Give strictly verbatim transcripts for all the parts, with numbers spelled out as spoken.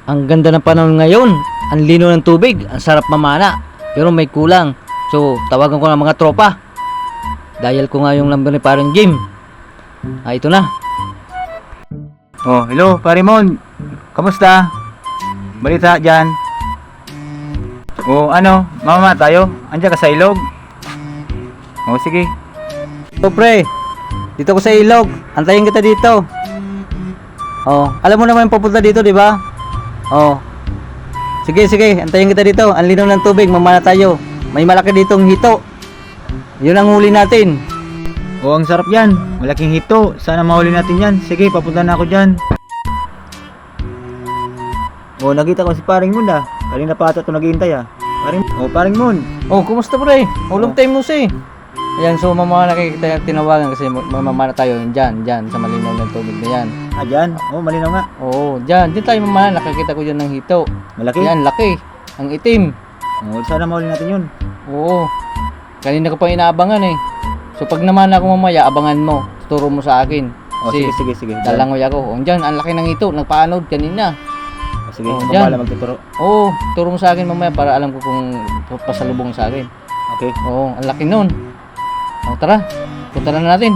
Ang ganda ng panahon ngayon. Ang lino ng tubig. Ang sarap mamana. Pero may kulang. So, tawagan ko ng mga tropa. Dial ko nga yung number ni parang Jim. Ah, ito na. Oh, hello, Parimon. Kamusta? Balita dyan. Oh, ano? Mama tayo? Andiyan ka sa ilog? Oh, sige. So, pre. Dito ko sa ilog. Antayin kita dito. Oh, alam mo naman yung papunta dito, di ba? Oh. Sige, sige. Antayin kita dito. Ang linaw ng tubig. Mamana tayo. May malaki ditong hito. Yun ang huli natin. Oh, ang sarap yan. Malaking hito. Sana mahuli natin yan. Sige, papunta na ako dyan. Oh, nakita ko si Paring Moon ah. Kanina pa ata ito naghihintay ah. Paring, oh, Paring Moon. Oh, kumusta pre? Oh, long Oh. time no see. Ayan, so mamaya nakikita tinawagan kasi mamana tayo dyan, dyan sa malinaw ng tubig na yan. Ah, dyan? Oh, malinaw nga. Oo, dyan, dyan tayo mamana. Nakikita ko dyan ng hito. Malaki? Yan, laki. Ang itim. Oh, sana mahuli natin yun. Oo. Kanina ko pa inaabangan eh. So pag naman ako mamaya, abangan mo. Turo mo sa akin. Oh, sige, sige, sige. Dalangoy ako. O, dyan, ang laki ng hito. Nagpaanod kanina. Oh, sige, Oh, ikaw dyan. pala magtuturo. Oo, turo mo sa akin mamaya para alam ko kung pasalubong sa akin. Okay. Oo, ang laki nun. O, tara. Punta na natin.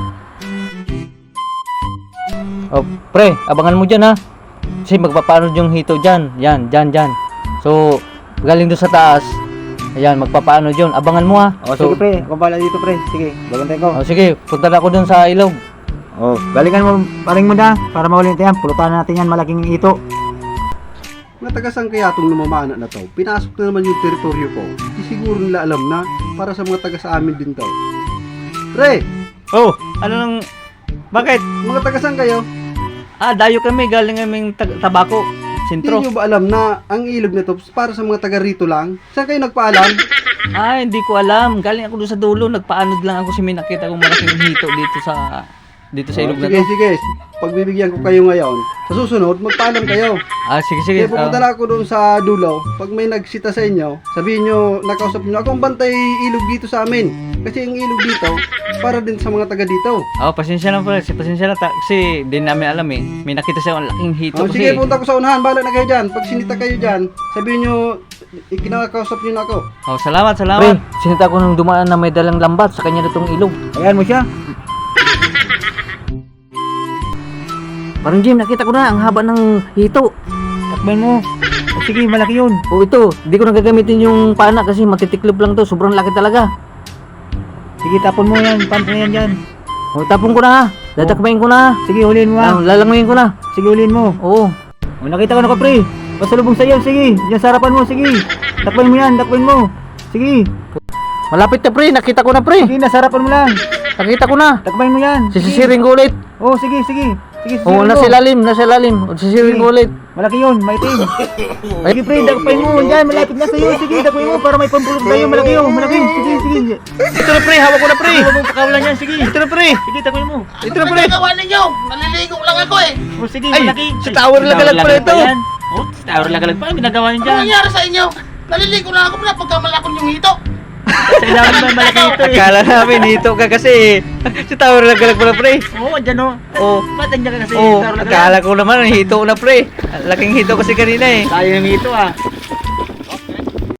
O, pre, abangan mo dyan ha. Kasi magpapanod yung hito dyan. Yan, dyan, dyan. So, galing doon sa taas. Ayan, magpapanod yun. Abangan mo ha. Oh, So, sige pre. Ako pala dito pre. Sige, bagantay ko. o, sige, punta na ako doon sa ilog. Oh, galingan mo, Paring Moon ah. Para mahuli natin yan. Pulutan natin yan. Malaking hito. Mga taga-saan kaya itong namamana na to? Pinasok na naman yung teritoryo ko. Di siguro nila alam na para sa mga taga sa amin din to. Pre, Oh, ano nang... Bakit? mga taga-saan kayo? Ah, dayo kami. Galing kaming tag- tabako. Hindi Sintro. nyo ba alam na ang ilog na to para sa mga taga rito lang? Saan kayo nagpaalam? Ah, hindi ko alam. Galing ako doon sa dulo. Nagpaanod lang ako si may nakita kong malaking hito dito sa... Dito sa Oh, ilog na sige, to. sige. Pagbibigyan ko kayo ngayon. Sa susunod, magpaalam kayo. Ah, sige, sige. Kaya pupunta Ah, na ako doon sa dulo. Pag may nagsita sa inyo, sabihin nyo, nakausap nyo, akong bantay ilog dito sa amin. Kasi yung ilog dito, para din sa mga taga dito. oh, pasensya na pala. Pasensya na. Ta- kasi di namin alam eh. May nakita siya ang laking hito Oh, kasi. sige, punta ko sa unahan. Bala na kayo dyan. Pag sinita kayo dyan, sabihin nyo, ikinakausap nyo na ako. Oh, salamat, salamat. Pre, sinita ko nung dumaan na may dalang lambat sa kanya nitong ilog. Ayan mo siya. Parang Jim, nakita ko na ang haba ng hito. Takban mo. Oh, sige, malaki yun. Oh, ito. Hindi ko na gagamitin yung pana kasi matitiklop lang to. Sobrang laki talaga. Sige, tapon mo yan. Pump mo yan dyan. Oh, tapon ko na ha. Dadakbayin ko na ha. Sige, huliin mo Ah, ah. lalanguyin ko na. Sige, huliin mo. Oo. Oh, nakita ko na ka, pre. Pasalubong sa'yo. Sige, dyan sa harapan mo. Sige. Takpan mo yan. Takpan mo. Sige. Malapit na pre. Nakita ko na pre. Sige, nasa harapan mo lang. Nakita ko na. Takpan mo yan. Sige. Sisisiring ko ulit. Oh, sige, sige. Sige, Oo, sisirin nasa mo. ilalim. Nasa ilalim. O, sisisiring ko ulit. Malaki yun, maitim. Sige, pre, dakpain mo. Yan, malapit na sa'yo. Sige, dakpain mo para may pampulog tayo. Malaki yun, malaki. Sige, sige. Ito na pre. Hawak ko na pre. Huwag mong pakawalan yan. Sige. Ito na pre. Sige, dakpain mo. Ito na pre. Nagawa ninyo! Naliligo lang ako eh! Oh, sige, Ay, malaki. sa tower lagalag pala ito. Oh, sa tower lagalag pa. Ginagawa niyo Ano dyan. nangyari sa inyo? Naliligo lang ako na pagkamalakon yung hito! Sa ilalim ba malaki ito eh. Akala namin hito ka kasi. Si tower lagalag pala pre. Oo, andyan o. Oo. Ba't andyan ka kasi Oo, sa tower lagalag? akala ko naman hito na pre. Laking hito kasi kanina eh. Tayo ng ito ah.